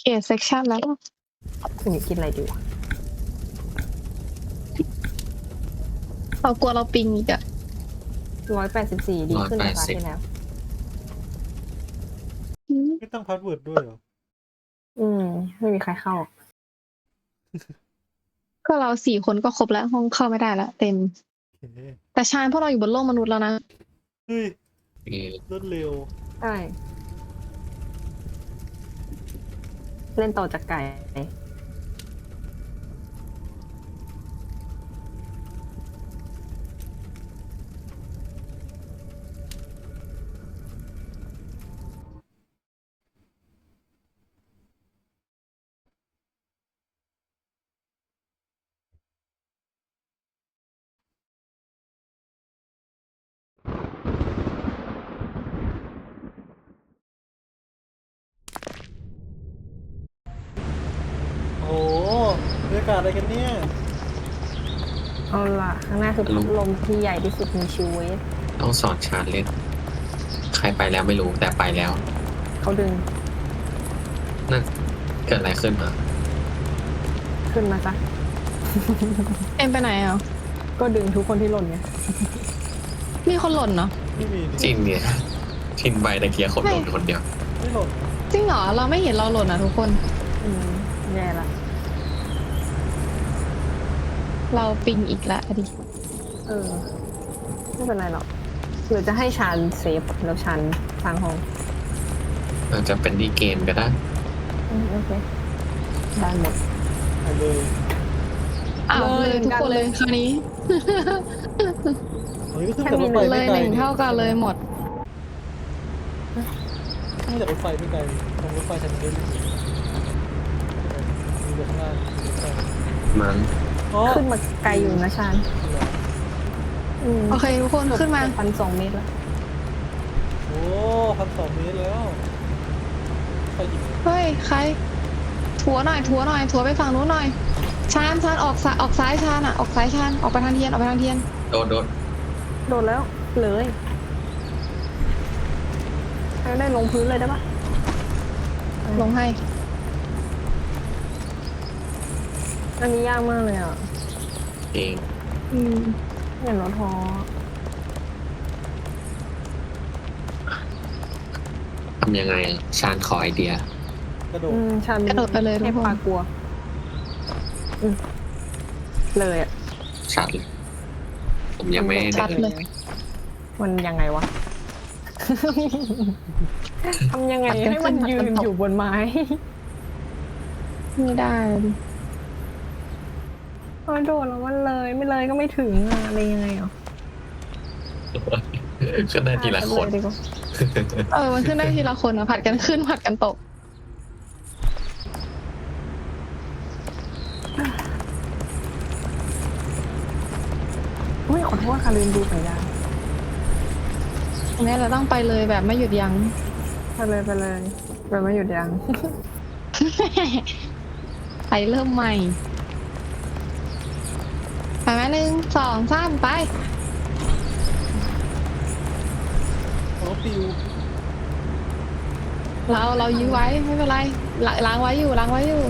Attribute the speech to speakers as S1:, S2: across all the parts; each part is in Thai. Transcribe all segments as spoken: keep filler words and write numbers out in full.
S1: เกตเซ็กชันแล้ว
S2: หนูกินอะไรดีวะ
S1: เรากลัวเราปิงอีกอะ
S2: ร้อยแปดสิบสี่ดีขึ้นกว่าครั้งที่แล้ว
S3: ไม่ตั้งพาสเวิร์ดด้วยเหรอ
S2: อืมไม่มีใครเข้า
S1: ก็เราสี่คนก็ครบแล้วห้องเข้าไม่ได้แล้วเต็ม แต่ชาญพวกเราอยู่บนโลกมนุษย์แล้วนะ
S3: เฮ้ย
S4: เออ
S3: รวดเร็ว
S2: ใช่เล่นต่อจากไก่
S3: โอ้โหบรรยากาศอะไรกันเนี่ย
S2: เอาล่ะข้างหน้าคือพัดลมที่ใหญ่ที่สุดในชีวิต
S4: ต้องสอนชาร์จเล่นใครไปแล้วไม่รู้แต่ไปแล้ว
S2: เขาดึง
S4: นั่นเกิดอะไรขึ้นมา
S2: ขึ้นมาซะ
S1: เอ็มไปไหนอ่ะ
S2: ก็ดึงทุกคนที่หล่นไง
S1: มีคนหล่นเนาะ
S3: ไม่มี
S4: จริงเนี่ยทินใบตะเกียคนหล่นคนเดียว
S3: ไม่หล่น
S1: จริงเหรอเราไม่เห็นเราหล่นอ่ะทุกคน
S2: อืมแย่ละ
S1: เราปิงอีกละดิ
S2: เออไม่เป็นไรหรอกหรือจะให้ชานเซฟแล้วชานสร้างห้อง
S4: อาจจะเป็นดีเกมก็ได้
S2: อืมโอเคได้หมด
S3: ไปเลย
S1: อ้าวเลยทุกคนเลยคราวนี้
S3: เฮ้ยก็ขึ้นจากรถไฟ
S1: เล
S3: ไม่
S1: ย
S3: ไกล
S1: หนึ่งเท่ากันเลยหมด
S3: ขึ้นจากรถไฟไม่ไกลตรงรถไฟทางเดินมีอยู่ข้างล่าง
S4: มัน
S2: ขึ้นมาไกลอยู่นะชาน
S1: โอเคทุกคนขึ้นมา
S2: พันสองเมตรแล้ว
S3: โอ้พันสองเมตรแล้วไปอีก
S1: เฮ้ยใครถัวหน่อยถัวหน่อยถัวไปฝั่งนู้นหน่อยชานชานออกซ้ายออกซ้ายชานอ่ะออกซ้ายชานออกไปทางเทียนออกไปทางเทียน
S4: โดดโดด
S2: โดดแล้วเลยให้ได้ลงพื้นเลยได้ปะ
S1: ลงให้
S2: อันนี้ยากมากเลยอ่ะ
S4: เอง
S1: อืม
S2: อย่างรถท้อ
S4: ทำยังไงชาญขอไอเดีย
S3: กระโดด
S2: ชัน
S1: กระโดดไปเลยทุกคน
S2: กลัวเลยอ่ะ
S4: ชัดเลยผมยังไม่
S1: ชัดเลย
S2: มันยังไงวะทำยังไงให้มันยืนอยู่บนไม้
S1: ไม่ได้ดิ
S2: พอโดดแล้วมันเลยไม่เลยก็ไม่ถึงอะไรยังไงอ่ะ
S4: ขึ้นได้ทีละคน
S1: เออมันขึ้นได้ทีละคนอะผัดกันขึ้นผัดกันตก
S2: ไม่ขอโทษค่ะลืมดูสัญญาณ
S1: นี่เราต้องไปเลยแบบไม่หยุดยั้ง
S2: ไปเลยไปเลยแบบไม่หยุดยั้ง
S1: ไปเริ่มใหม่ไปไหมหนึ่งสองสามไป
S3: รถปิว
S1: เราเรายื้อไว้ไม่เป็นไรล้างไว้อยู่ล้างไว้อยู่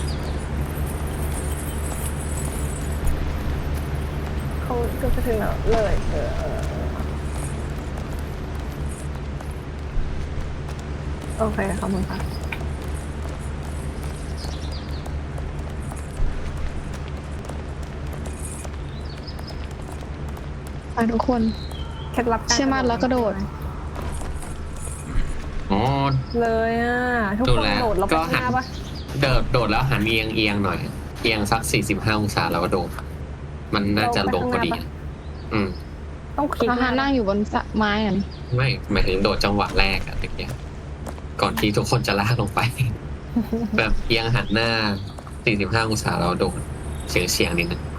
S2: เขาก็จะถึงแล้วเลยเออโอเคขอบคุณค่ะ
S1: ไปทุกคน
S2: เคล็ดลับ
S1: เชื่อมั่นแล้วกระโดด
S4: อ๋อ
S2: เลยอ่ะทุกคนโดดแล้วไปหน้าปะ
S4: โดดโดดแล้วหันเอียงเอียงหน่อยเอียงสักสี่สิบห้าองศาแล้วก็โดดมันน่าจะลงพอดีอืม
S2: ต้องคิด
S1: อาหารนั่งอยู่บนไม้อ่ะ
S4: ไม่หมายถึงโดดจังหวะแรกอะตะเกียก่อนที่ทุกคนจะลากลงไปแบบเอียงหันหน้าสี่สิบห้าองศาแล้วโดดเฉียงเฉียงนิดนึง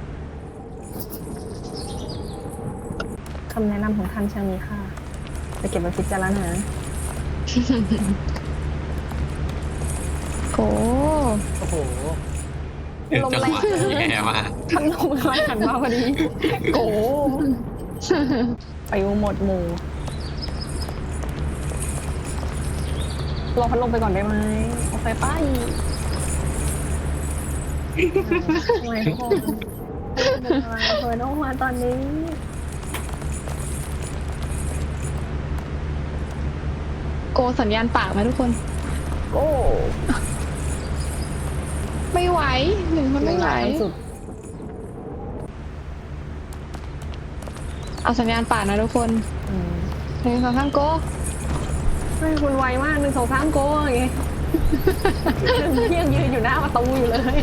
S2: คำแนะนำของท่านช่างมีค่าจะเก็บไว้พิจารณา
S1: โอ้
S3: โอ้โห
S2: ลมแรง
S4: แย่มาก
S2: พัดลมแรงหันมาพอดีโอ้ไปหมดหมู่รอพัดลมไปก่อนได้ไหมโอเคไปป้ายทำไมทุกคนทำไมเธอต้องมาตอนนี้
S1: โกสัญญาณปากไหมทุกคน
S2: โก้
S1: ไม่ไหวหนึ่งคนไม่ไหว
S2: สุด
S1: เอาสัญญาณปากนะทุกคน
S2: อืม
S1: หนึ่งสองสามโก
S2: ไม่คุณไวมากหนึ่งสองสามโก้ไงยังยืนอยู่หน้าประตูอยู่เลย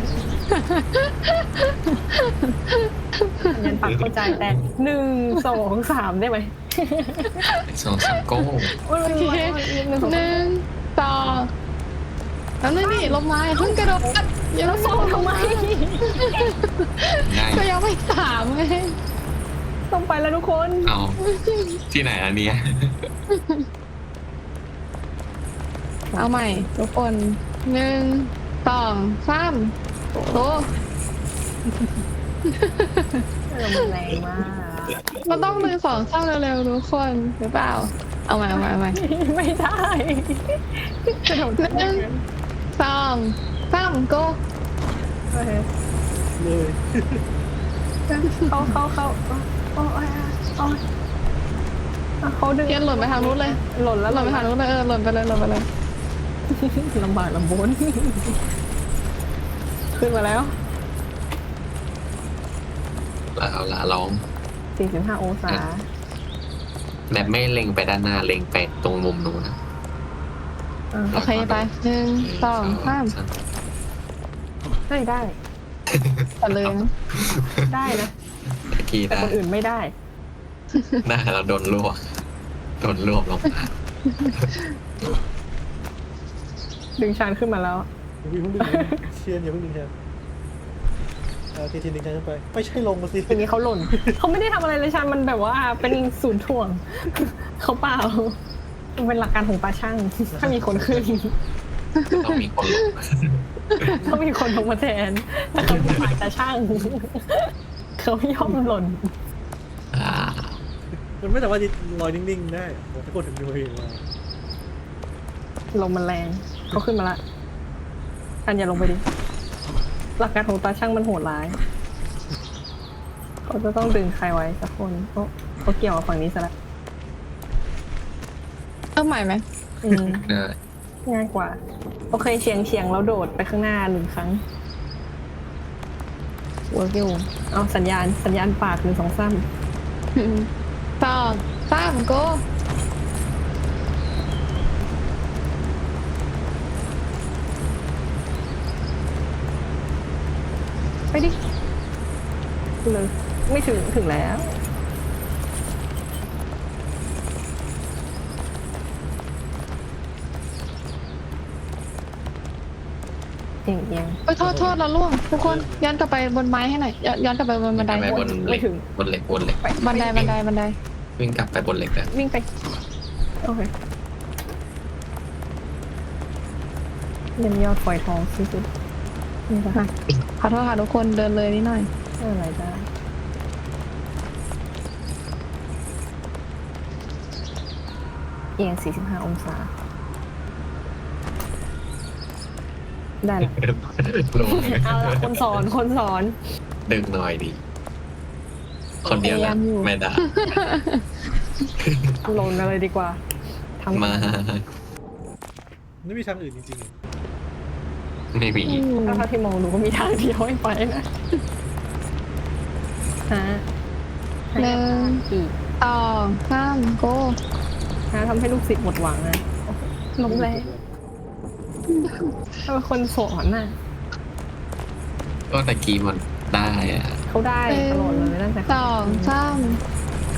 S2: ยันปักเข้าใจแต่หนึ่งสองสามได้ไหม
S4: สองสามโก้
S2: โอ้ย
S1: โอเค
S2: หนึ่งสอง
S1: หนึ่งสองแล้วนี่นี่ลงมาอย่าเพิ่งกระโดดอย่า
S2: แล้ว
S1: เพิ่ง
S2: ส่งทำไม
S4: ได้
S1: ก็ยังไม่ถามไง
S2: ต้องไปแล้วทุกคน
S4: เอาที่ไหนอันเนี้ย
S1: เอาใหม่ทุกคนหนึ่งสองสามโต
S2: เรามันแรงมาก
S1: มันต้องหนึ่งสองสามเร็วๆทุกคนหรือเปล่าเอาใหม่เอาใหม่เอาใหม่
S2: ไม่ได้กระโดด
S1: หนึ่งสองสามโก
S2: โอเค
S3: เลย
S2: เขาเขาเขาโอ้ยโอ้ยเขาดึง
S1: เทียนหล่นไปทางนู้นเลย
S2: หล่นแล้ว
S1: หล่นไปทางนู้นเลยเออหล่นไปเลยหล่นไปเลย
S2: ลำบากลำบนขึ้นมาแล้ว
S4: เอาละร้อง
S2: สี่สิบห้าองศา
S4: แบบไม่เล็งไปด้านหน้าเล็งไปตรงมุมนู้นนะ
S2: อ่า
S1: โอเคไปหนึ่งสองสาม
S2: เฮ้ยได้
S1: ตัดเลยนะ
S2: ได้นะ
S4: ที
S2: แต่
S4: ได้
S2: คนอื่นไม่ได้
S4: หน้าเราโดนลวกโดนรวบลงมา
S2: ดึงชานขึ้นมาแล้ว
S3: อย่าเพิ่งดึงเชียนอย่าเพิ่งดึงแทนเอาทีทีดึงแทนขึ้นไปไม่ใช่ลงมาสิ
S2: ทีนี้เขาหล่น เขาไม่ได้ทำอะไรเลยชานมันแบบว่าเป็นศูนย์ถ่วง เขาเปล่ามันเป็นหลักการของปลาช่าง ถ้ามีคนขึ้น
S4: ต้องมีคนลง
S2: ต้องมีคนลงมาแทนแต่เขาเป็นฝ่ายตาช่าง เขาไม่ยอมหล่น
S4: อ่า
S3: มันไม่สามารถจะลอยนิ่งๆได้ผมถ้ากดถึงดูเองมา
S2: ลมมันแรงเขาขึ้นมาละอันอย่าลงไปดิ หลักการของตาช่างมันโหดร้าย เขาจะต้องดึงใครไว้สักคนโอ้เขาเกี่ยวกับฝั่งนี้ซะละ
S1: เริ่มใหม่ไหม
S2: อืม
S4: ได้
S2: ง่ายกว่า โอเคเฉียงเฉียงแล้วโดดไปข้างหน้าหนึ่งครั้งเวิร์กอยู่เอาสัญญาณสัญญาณปากหนึ่งสองสาม
S1: หนึ่งสองสามโก
S2: ไปดิเลยไม่ถึงถึงแล้ว เอียงเอียง
S1: ไปโทษโทษเราล่วงทุกคนย้อนกลับไปบนไม้ให้หน่อยย้อนย้อนกลับไปบนบันได
S4: ไปบนเหล็กบนเหล็กบนเหล็ก
S1: บันไดบันไดบันได
S4: วิ่งกลับไปบนเหล็กนะ
S2: วิ่งไป โอเคเยี่ยมยอดฝอยทองที่สุดนี่ปะ
S1: ขอโทษค่ะทุกคนเดินเลยนิดหน่อย
S2: อะไรได้เอียงสี่สิบห้าองศา ได้ละ
S4: ลง
S2: เอาละคนสอน คนสอน
S4: ดึงหน่อยดี คนเดียวนะไม่ได้
S2: ลงกันเลยดีกว่าทำ
S4: มา
S3: ไม่มีทางอื่นจริง
S4: ไม่มี
S2: ถ้าเท่าที่มองดูก็มีทางเดียวให้ไปนะฮะ
S1: หนึ่ง
S2: อีก
S1: สองสามโก
S2: ฮะทำให้ลูกศิษย์หมดหวังนะล้มแรงถ้าเป็นคนสอนน่ะ
S4: ก็ตะกี้มันได้อะ
S2: เขาได้ตลอดเลยตั้งแต่
S1: สองสามโก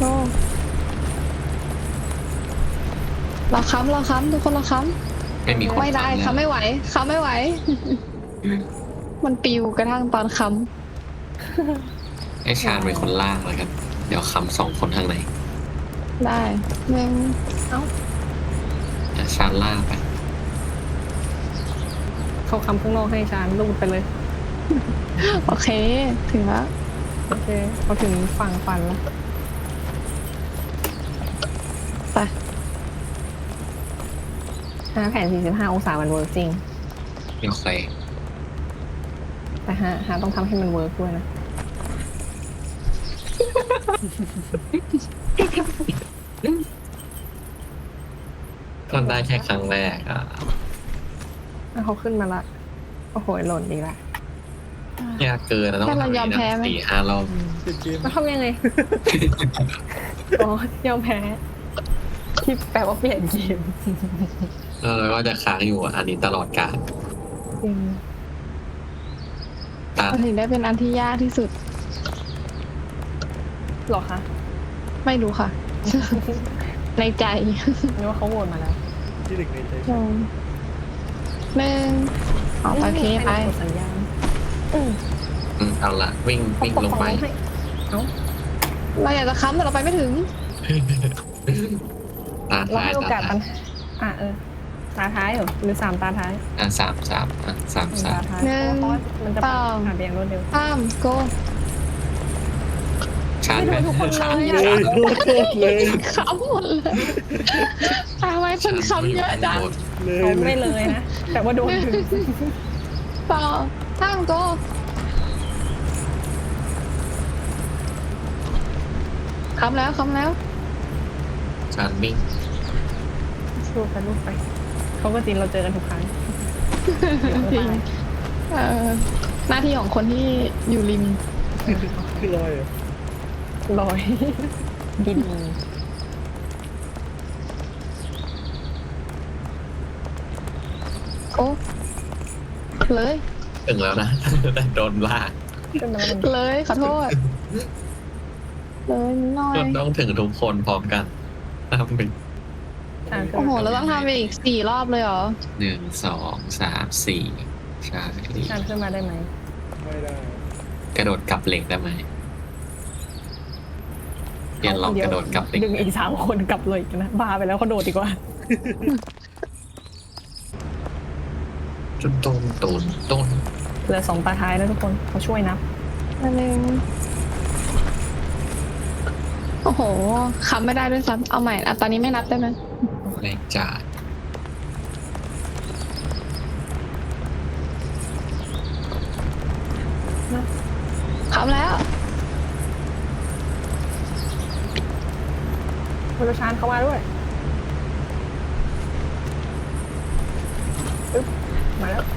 S1: เราค้ำเราค้ำทุกคนเราค้
S4: ไม่มีค
S1: ำ
S4: น
S1: ไม่ได้
S4: ทำ
S1: ค้ำไม่ไหวค้ำไม่ไหว มันปิวกระทั่งตอนค้
S4: ให้ชาญเป็นคนล่างเลยกัน เดี๋ยวคำสองคนข้างใน
S1: ำได้หนึ่ง
S2: เอ้า
S4: อ่ะชาญล่างไป
S2: เขาคำข้างนอกให้ชานลูดไปเลย
S1: โอเค ถึงแล้ว
S2: โอเคเขาถึงฝั่งฟันแล้ว
S1: ไป
S2: ฮะแผนสี่สิบห้าองศามันเวิร์กจริง
S4: โอเค
S2: แต่หาหาต้องทำให้มันเวิร์กด้วยนะ
S4: ก็ได้แค่ครั้งแรกอ่ะ
S2: อ่ะเขาขึ้นมาละ โอ้โหหล่นดีละ
S4: ยากเกินนะต้อง
S1: แค่เรายอมแพ้ไหม
S4: สี่ห้ารอบ
S3: เปลี่ยนเกม
S2: แล้วทำยังไง อ๋อยอมแพ้ ที่แปลว่าเปลี่ยนเกม
S4: แล้วก็จะค้างอยู่อันนี้ตลอดกาล
S2: จริง
S4: ตาม
S1: มันถึงได้เป็นอันที่ยากที่สุด
S2: หรอคะ
S1: ไม่รู้ค่ะ ในใจ
S2: นึกว่าเขาโหวตมาแล้ว
S3: ที่หนึ่งในใจ
S1: หนึ่งหนึ่งเอาไปเคไป
S2: กดสัญญาณอืม
S4: อืมเอาละวิ่งวิ่งลงไป
S2: ให้เอ้า
S1: เราอยากจะค้ำแต่เราไปไม่ถึง
S4: ตา
S2: เรา
S4: ท้าย
S2: ให้โอ
S4: ตาก
S2: าส
S4: ท้า
S2: ปั
S4: ย
S2: ญหาอ่ะเออ ตาท้ายเหรอ หรือสามตาท้าย
S4: อ่ะสามสามอ่ะสาม
S2: หนึ่ง
S4: สา
S2: ตาม ท้าย
S1: หนึ่ง
S2: เพราะว่ามันจะ
S1: สอง
S2: ผ่านไปอย่างรวดเร็ว
S1: ข้ามโก
S4: ชาร์จไหม
S2: ไม่โดนทุกคน
S4: ชาร์จ
S2: เลย
S3: เล
S2: อะ
S3: ยโคตรเลย
S1: ค้ำหมดเลยทำไมคนค้ำเยอะจัง
S3: เล
S2: เขา
S3: ยเล
S2: ไม่
S3: ย
S2: เลยนะ แต่ว่าโดนถึง
S1: สองข้ามโกค้ำแล้วค้ำแล้ว
S4: ชาร์จวิ่ง
S2: สู้ไปลูกไป เขาก็จริงเราเจอกันทุกครั้ง
S1: จริง เอ่อหน้าที่ของคนที่อยู่ริม
S3: คือลอยเหรอ่ะ
S2: ลอย ดิน
S1: โอ้เลย
S4: ถึงแล้วนะ แต่โดนลาก
S2: ขึ้นมาแล้วมัน
S1: เลยขอโทษ เลยนิดหน่อย
S4: ก็ต้องถึงทุกคนพร้อมกันนะครับเป็น
S2: อ่ะขึ้น
S1: โอ้โห
S2: มา
S1: เราต้องทำไปอีกสี่รอบเลยเหรอ
S4: หนึ่งสองสามสี่ใช่
S2: อ่านขึ้นมาได้ไหม
S3: ไม่ได้
S4: กระโดดกลับเหล็กได้ไหมเรียนลองกระโดดกลับเหล็ก
S2: ดึงอีกสามคนกลับเลยอีกนะบ้าไปแล้วเขาโดดดีกว่า
S4: จุดต้นต้นต้น
S2: เหลือสองตาท้ายแล้วทุกคนเขาช่วยนับ
S1: อันหนึ่งโอ้โหค้ำไม่ได้ด้วยซ้ำเอาใหม่อ่ะตอนนี้ไม่นับได้ไหม
S4: แรงจ่าย
S1: ค้ำแล้ว
S2: คุณชานเข้ามาด้วยอึ๊บมาแล้ว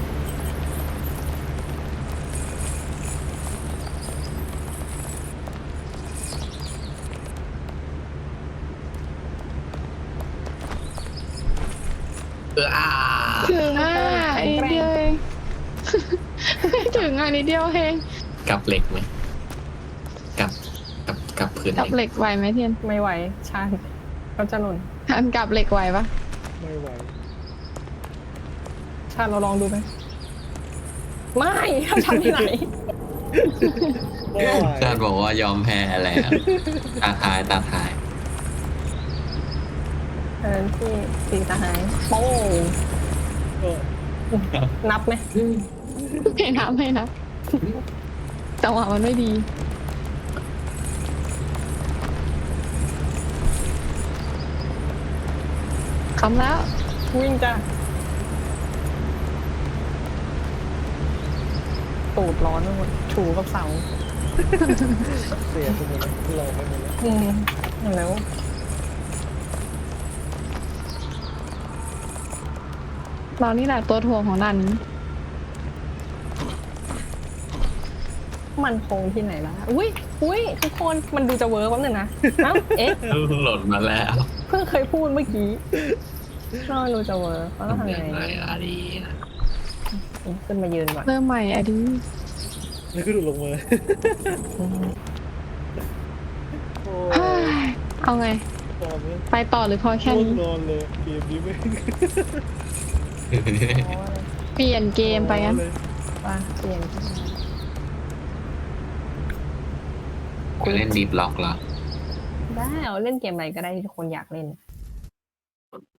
S4: เอออ่า
S1: ถึงอ่ะนิดเดียวเองไม่ถึงอ่ะนิดเดียวเอง
S4: กลับเหล็กไหมกลับกลับกลับพื้น
S1: กลับเหล็กไหวไหมเทียน
S2: ไม่ไหวชานเขาจะหล่น
S1: อันกลับเหล็กไหวปะ
S3: ไม่ไหว
S2: ชานเราลองดูไหมไม่เขาทำที่ไหน
S3: ไม่ไหว
S4: ชาติบอกว่ายอมแพ้แล้วตาท้ายตาท้าย
S2: เออที่สีตาหายโป้ง
S3: เออ
S2: นับไหม
S1: ไม่นับไม่นับจังหวะมันไม่ดีค้ำแล้ว
S2: วิ่งจ้ะตูดร้อนไปหมดถูกับเสา
S3: เสียไปหมดแล้วลอยไปหมดแล้ว
S2: อืมแล้ว
S1: เรานี่แหละตัวถ่วงของด่านนี้
S2: มันคงที่ไหนล่ะอุ้ยอุ้ยทุกคนมันดูจะเวิร์กแป๊บนึงนะเอ้าเอ๊ะ
S4: หล่นมาแล้ว
S2: เพิ่งเคยพูดเมื่อกี้ก็ดูจะเวิร์กเขาต้องทำ
S4: ยั
S2: ยัง ง
S4: ไง
S2: ไง
S4: อะดีนะ
S2: ขึ้นมายืนก่อน
S1: เริ่มใหม่อะดี
S3: แล้วก็ดูดลงมา
S2: อืม
S3: โอ้
S1: เฮ้ยเอาไง
S3: ตอนนี้
S1: ไปต่อหรือพอแค่
S3: ง่วง
S1: นี้
S3: นอนเลยเกมนี้ไม่
S1: เปลี่ยนเกมไปงั้น
S3: เลย
S2: ว่าเปลี่ยน
S4: ไปเล่นดีบล็อกเหรอ
S2: ได้เอาเล่นเกมอะไรก็ได้ที่ทุกคนอยากเล่น